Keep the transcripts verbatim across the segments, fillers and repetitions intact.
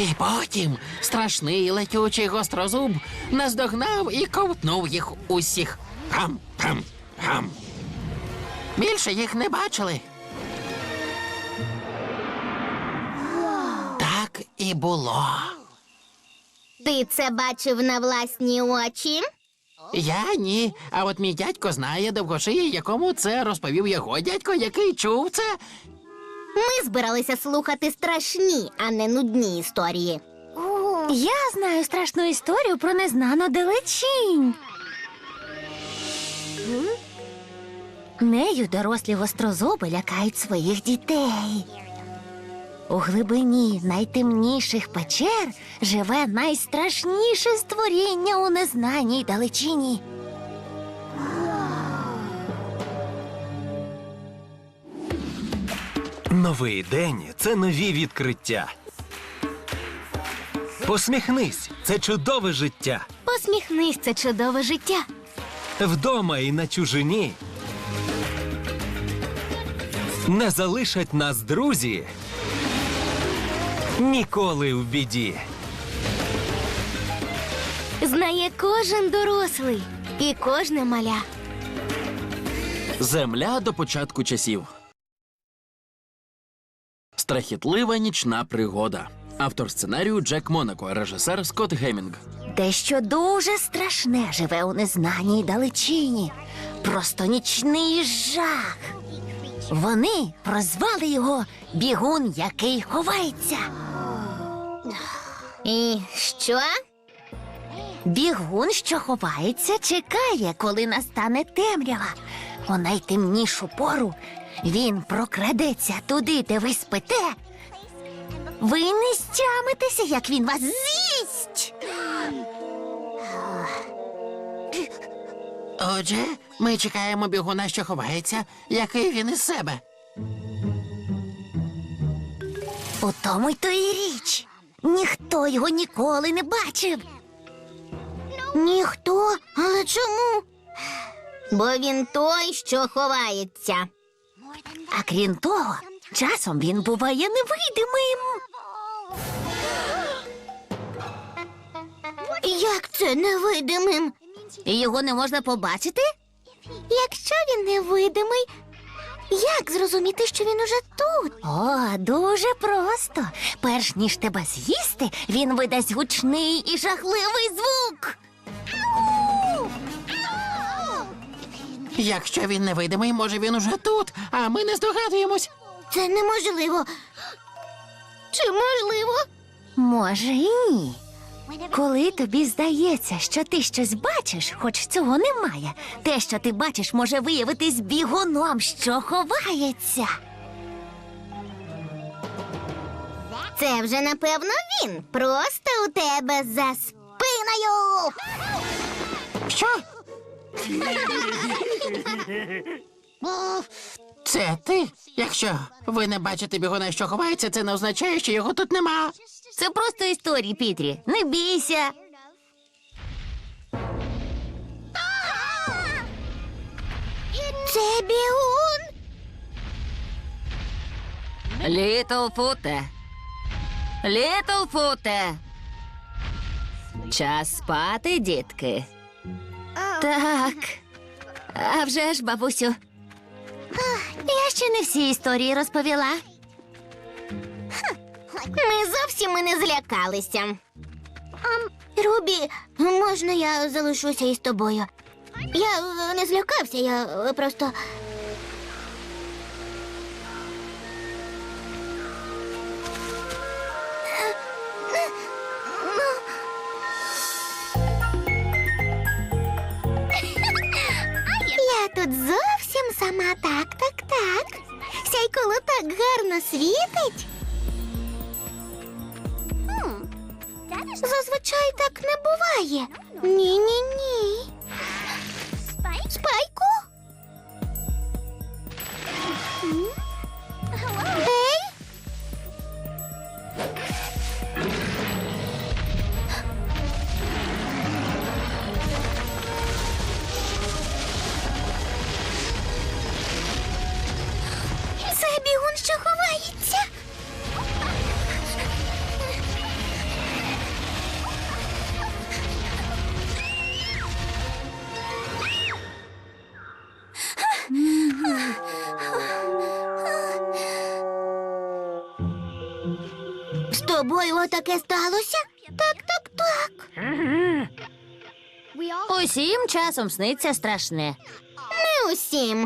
І потім страшний летючий гострозуб наздогнав і ковтнув їх усіх. Гам, гам, гам. Більше їх не бачили. Так і було. Ти це бачив на власні очі? Я ні, а от мій дядько знає довгошиї, якому це розповів його дядько, який чув це. Ми збиралися слухати страшні, а не нудні історії. Я знаю страшну історію про незнану далечінь. Нею дорослі гострозуби лякають своїх дітей. У глибині найтемніших печер живе найстрашніше створіння у незнаній далечині. Новий день – це нові відкриття. Посміхнись – це чудове життя. Посміхнись, це чудове життя. Вдома і на чужині. Не залишать нас друзі ніколи в біді. Знає кожен дорослий і кожне маля. Земля до початку часів. Страхітлива нічна пригода. Автор сценарію Джек Монако, режисер Скотт Гемінг. Дещо дуже страшне живе у незнаній далечині. Просто нічний жах. Вони прозвали його «Бігун, який ховається». І що? Бігун, що ховається, чекає, коли настане темрява. У найтемнішу пору він прокрадеться туди, де ви спите. Ви не стямитеся, як він вас з'їсть. Отже, ми чекаємо бігуна, що ховається, який він із себе. У тому й то і річ. Ніхто його ніколи не бачив. Ніхто? Але чому? Бо він той, що ховається. А крім того, часом він буває невидимим. Як це невидимим? І його не можна побачити? Якщо він невидимий, як зрозуміти, що він уже тут? О, дуже просто. Перш ніж тебе з'їсти, він видасть гучний і жахливий звук. Якщо він невидимий, може він уже тут, а ми не здогадуємось. Це неможливо. Чи можливо? Може і ні. Коли тобі здається, що ти щось бачиш, хоч цього немає, те, що ти бачиш, може виявитись бігуном, що ховається. Це вже, напевно, він. Просто у тебе за спиною. Що? Це ти? Якщо ви не бачите бігуна, що ховається, це не означає, що його тут нема. Це просто історії, Пітрі. Не бійся. Це бігун. Літлфуте. Літлфуте. Час спати, дітки. Так. А вже ж, бабусю. Я ще не всі історії розповіла. Ми зовсім і не злякалися. Рубі, можна я залишуся із тобою? Я е, не злякався, я е, просто... Я тут зовсім сама, так, так, так. Сяйколо так гарно світить. Зазвичай так не буває. Ні-ні-ні. Спайку? Ей? Це бігун, що ховається. тобою отаке сталося? Так, так, так. Усім часом сниться страшне. Не усім.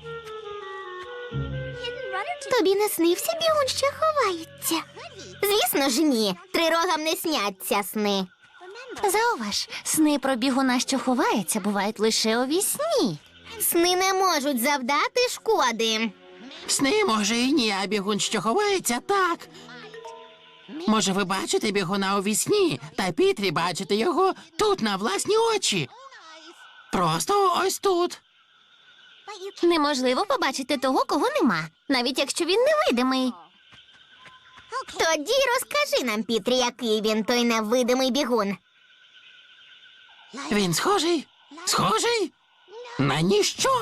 Тобі не снився бігун, що ховається? Звісно ж ні. Трирогам не сняться сни. Зауваж, сни про бігуна, що ховається, бувають лише у вісні. Сни не можуть завдати шкоди. Сни, може, і ні, а бігун, що ховається, так. Може, ви бачите бігуна у вісні, та Пітрі бачите його тут, на власні очі. Просто ось тут. Неможливо побачити того, кого нема, навіть якщо він невидимий. Тоді розкажи нам, Пітрі, який він той невидимий бігун. Він схожий? Схожий? На ніщо.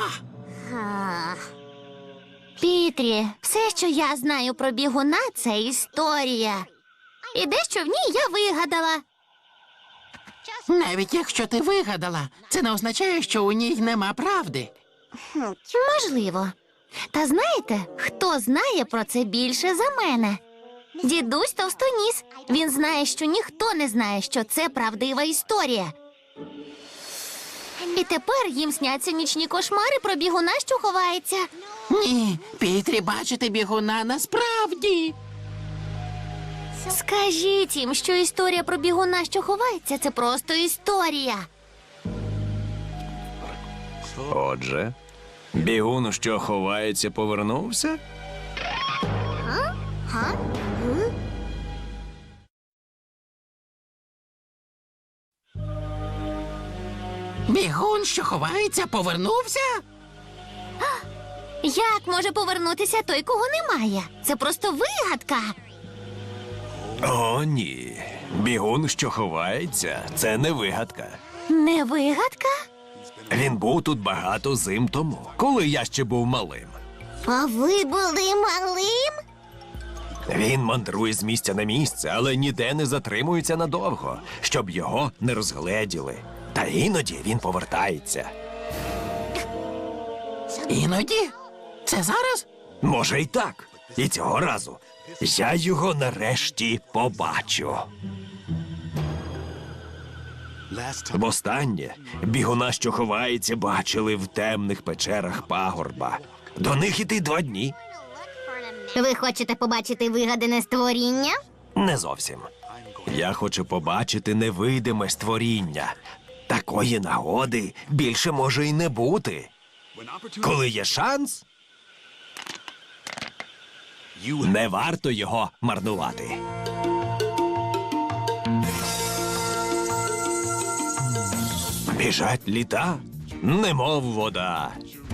Пітрі, все, що я знаю про бігуна, це історія. І дещо в ній я вигадала. Навіть якщо ти вигадала, це не означає, що у ній нема правди. Можливо. Та знаєте, хто знає про це більше за мене? Дідусь Товстоніс. Він знає, що ніхто не знає, що це правдива історія. І тепер їм сняться нічні кошмари про бігуна, що ховається. Ні, Пітрі бачити бігуна насправді. Скажіть їм, що історія про бігуна, що ховається, це просто історія. Отже, бігун, що ховається, повернувся? Бігун, що ховається, повернувся? Як може повернутися той, кого немає? Це просто вигадка. О, ні. Бігун, що ховається, це не вигадка. Не вигадка? Він був тут багато зим тому, коли я ще був малим. А ви були малим? Він мандрує з місця на місце, але ніде не затримується надовго, щоб його не розгледіли. Та іноді він повертається. Іноді? Це зараз? Може, й так. І цього разу я його нарешті побачу. Востаннє бігуна, що ховається, бачили в темних печерах пагорба. До них іти два дні. Ви хочете побачити вигадане створіння? Не зовсім. Я хочу побачити невидиме створіння. Такої нагоди більше може й не бути. Коли є шанс, не варто його марнувати. Біжать літа, немов вода.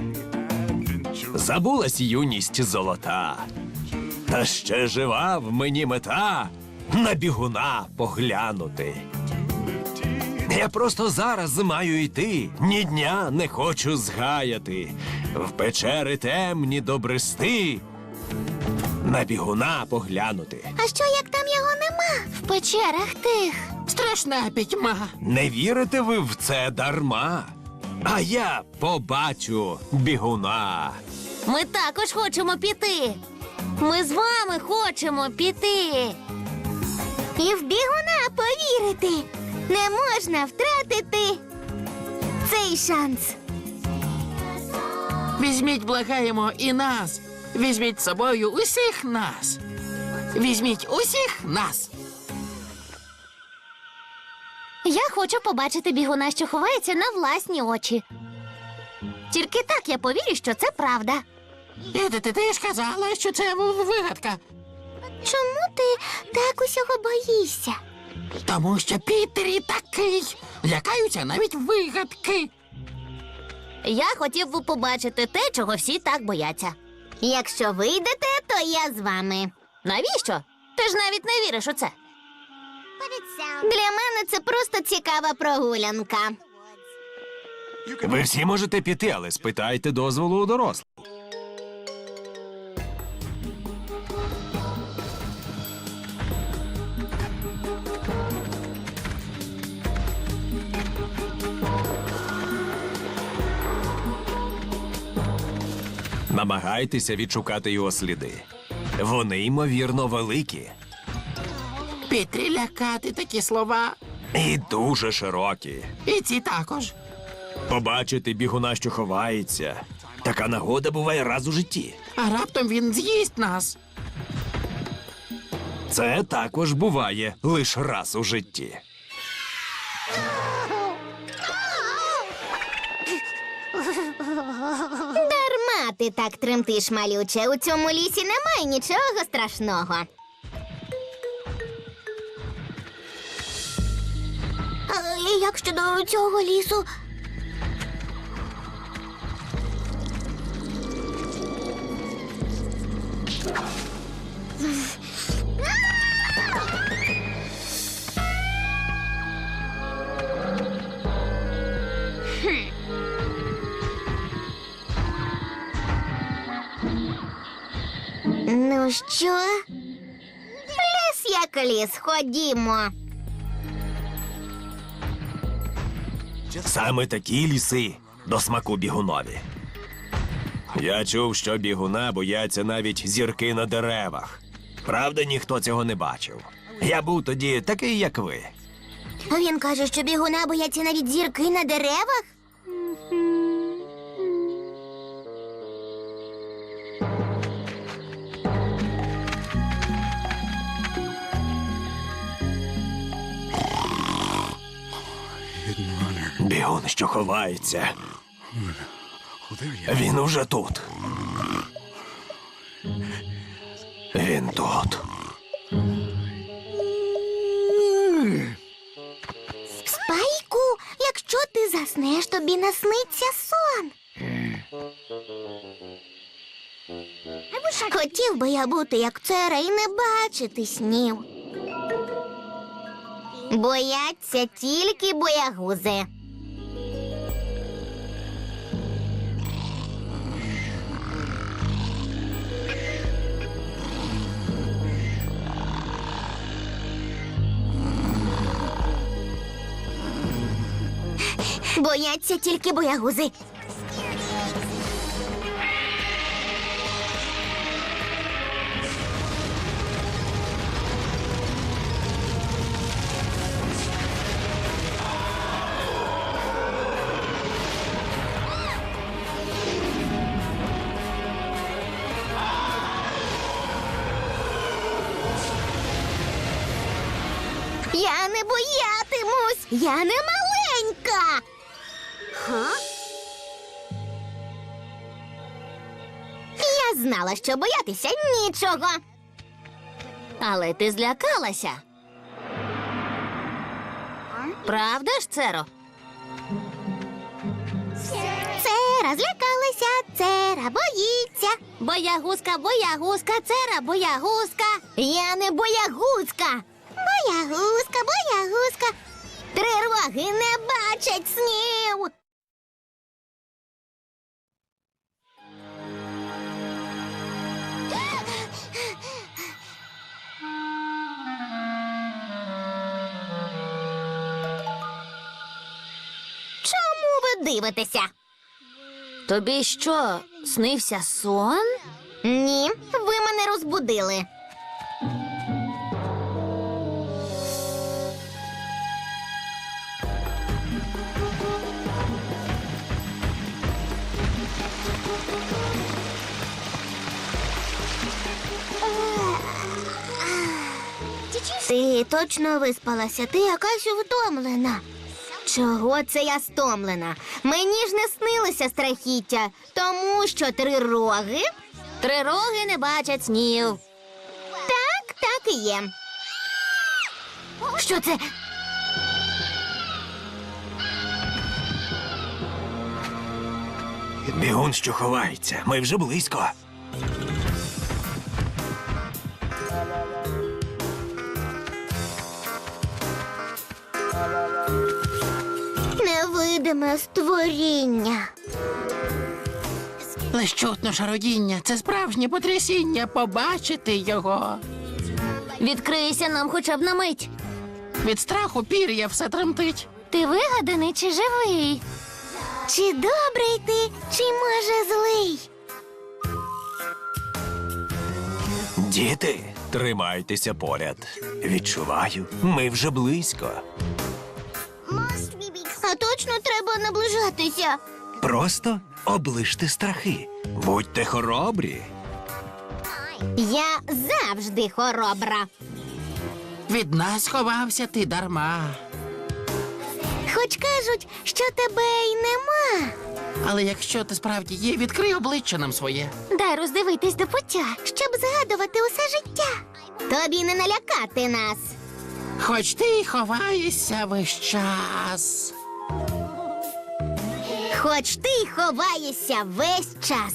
Забулась юність золота. Та ще жива в мені мета на бігуна поглянути. Я просто зараз маю йти, ні дня не хочу згаяти. В печери темні добрести, на бігуна поглянути. А що, як там його нема? В печерах тих. Страшна пітьма. Не вірите ви в це дарма? А я побачу бігуна. Ми також хочемо піти. Ми з вами хочемо піти. І в бігуна повірити. Не можна втратити цей шанс. Візьміть, благаємо, і нас. Візьміть з собою усіх нас. Візьміть усіх нас. Я хочу побачити бігуна, що ховається, на власні очі. Тільки так я повірю, що це правда. І ти, ти, ти ж казала, що це в- вигадка. Чому ти так усього боїшся? Тому що Пітері такий. Лякаються навіть вигадки. Я хотів би побачити те, чого всі так бояться. Якщо вийдете, то я з вами. Навіщо? Ти ж навіть не віриш у це. Для мене це просто цікава прогулянка. Ви всі можете піти, але спитайте дозволу у дорослих. Намагайтеся відшукати його сліди. Вони, ймовірно, великі. Пітрі лякати такі слова. І дуже широкі. І ці також. Побачити бігуна, що ховається. Така нагода буває раз у житті. А раптом він з'їсть нас. Це також буває лише раз у житті. Дарма ти так тремтиш, малюче. У цьому лісі немає нічого страшного. А як щодо цього лісу? Ну що? Ліс як ліс, ходімо. Саме такі ліси до смаку бігунові. Я чув, що бігуна бояться навіть зірки на деревах. Правда, ніхто цього не бачив. Я був тоді такий, як ви. Він каже, що бігуна бояться навіть зірки на деревах? Бігун, що ховається. Він уже тут. Він тут. Спайку, якщо ти заснеш, тобі насниться сон. Хотів би я бути як Цера і не бачити снів. Бояться тільки боягузи. Бояться тільки боягузи. Я не боятимусь, я не маленька. Я знала, що боятися нічого. Але ти злякалася. Правда ж, Церо? Цера злякалася, Цера боїться. Боягузка, боягузка, Цера, боягузка. Я не боягузка. Боягузка, боягузка. Трироги не бачать снів. Чому ви дивитеся? Тобі що, снився сон? Ні, ви мене розбудили. Ти точно виспалася? Ти якась втомлена. Чого це я стомлена? Мені ж не снилося страхіття, тому що три роги. Трироги не бачать снів. Так, так і є. Що це? Бігун, що ховається. Ми вже близько. Невидиме створіння. Лиш чутно шародіння. Це справжнє потрясіння побачити його. Відкрийся нам хоча б на мить. Від страху пір'я все тремтить. Ти вигаданий чи живий? Чи добрий ти, чи може злий? Діти, Тримайтеся поряд. Відчуваю, ми вже близько. А точно треба наближатися. Просто оближте страхи. Будьте хоробрі. Я завжди хоробра. Від нас ховався ти дарма. Хоч кажуть, що тебе й нема. Але якщо ти справді є, відкрий обличчя нам своє. Дай роздивитись до пуття, щоб згадувати усе життя. Тобі не налякати нас. Хоч ти й ховаєшся весь час. Хоч ти й ховаєшся весь час.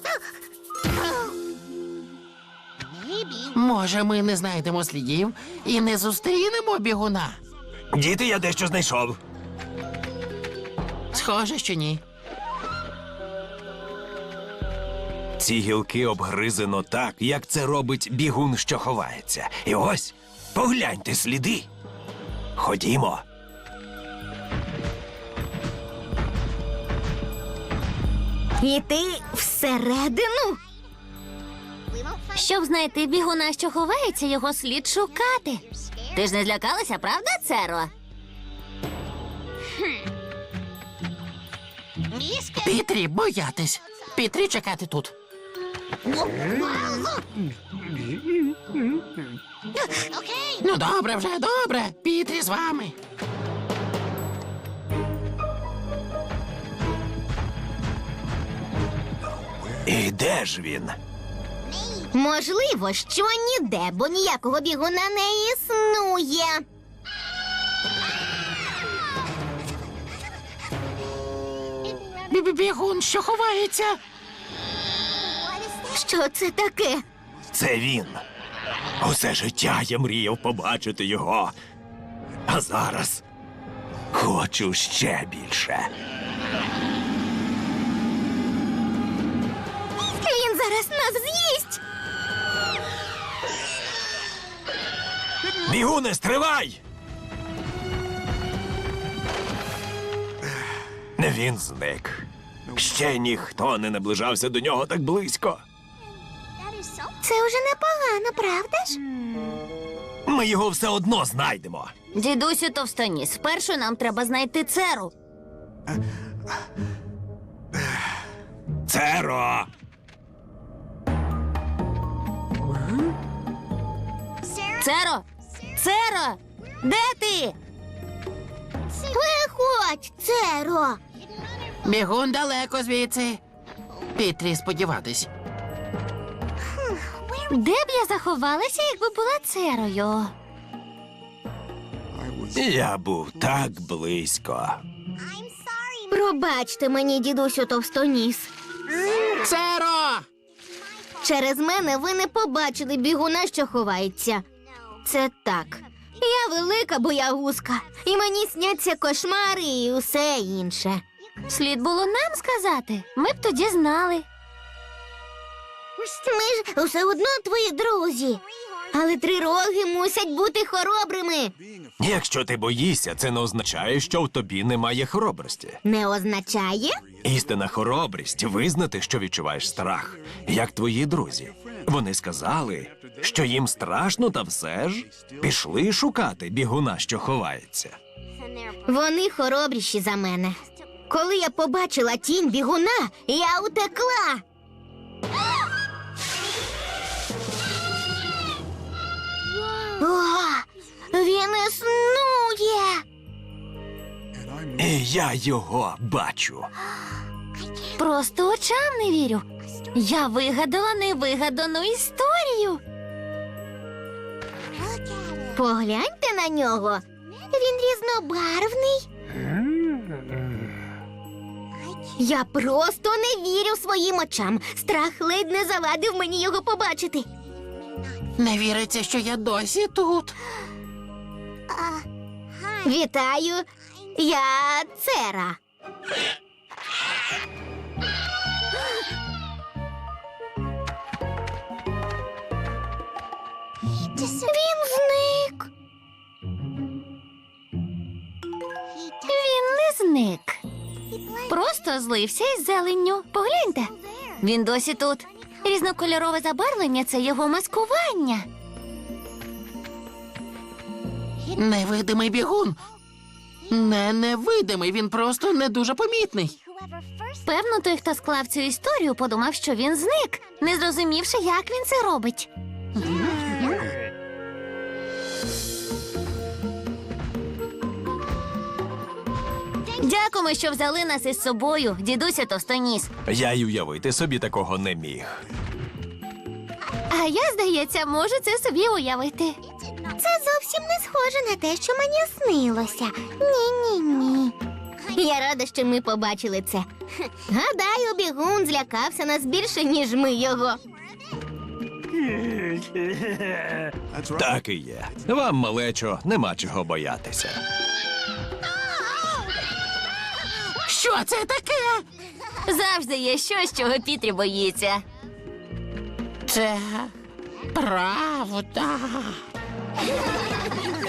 Може, ми не знайдемо слідів і не зустрінемо бігуна? Діти, я дещо знайшов. Схоже, що ні. Ці гілки обгризено так, як це робить бігун, що ховається. І ось, погляньте сліди. Ходімо. Іти всередину? Щоб знайти бігуна, що ховається, його слід шукати. Ти ж не злякалася, правда, Церо? Пітрі, боятись. Пітрі, чекати тут. Ну, добре вже, добре. Пітрі з вами. І де ж він? Можливо, що ніде, бо ніякого бігуна не існує. Бі-бі-бігун, що ховається? Що це таке? Це він. Усе життя я мріяв побачити його. А зараз хочу ще більше. Він зараз нас з'їсть. Бігуне, стривай! Він зник. Ще ніхто не наближався до нього так близько. Це вже непогано, правда ж? Ми його все одно знайдемо. Дідусю Товстоніс, спершу нам треба знайти Церу. Церо! Церо! Церо! Де ти? Виходь, Церо. Бігун далеко звідси. Пітрі, сподіватись. Де б я заховалася, якби була Церою? Я був так близько. Пробачте мені, дідусю Товстоніс. Церо! Через мене ви не побачили бігуна, що ховається. Це так. Я велика боягузка, і мені сняться кошмари і усе інше. Слід було нам сказати. Ми б тоді знали. Ми ж усе одно твої друзі. Але трироги мусять бути хоробрими. Якщо ти боїшся, це не означає, що в тобі немає хоробрості. Не означає? Істинна хоробрість визнати, що відчуваєш страх, як твої друзі. Вони сказали, що їм страшно, та все ж пішли шукати бігуна, що ховається. Вони хоробріші за мене. Коли я побачила тінь бігуна, я утекла. О, він існує. І я його бачу. Просто очам не вірю. Я вигадала невигадану історію. Погляньте на нього. Він різнобарвний. Я просто не вірю своїм очам. Страх ледь не завадив мені його побачити. Не віриться, що я досі тут. Вітаю, я Цера. Він зник. Він не зник. Просто злився із зеленню. Погляньте. Він досі тут. Різнокольорове забарвлення – це його маскування. Невидимий бігун. Не невидимий, він просто не дуже помітний. Певно, той, хто склав цю історію, подумав, що він зник, не зрозумівши, як він це робить. Дякуємо, що взяли нас із собою, дідуся Товстоніс. Я й уявити собі такого не міг. А я, здається, можу це собі уявити. Це зовсім не схоже на те, що мені снилося. Ні-ні-ні. Я рада, що ми побачили це. Гадаю, бігун злякався нас більше, ніж ми його. Так і є. Вам, малечо, нема чого боятися. Що це таке? Завжди є щось, чого Пітрі боїться. Це правда.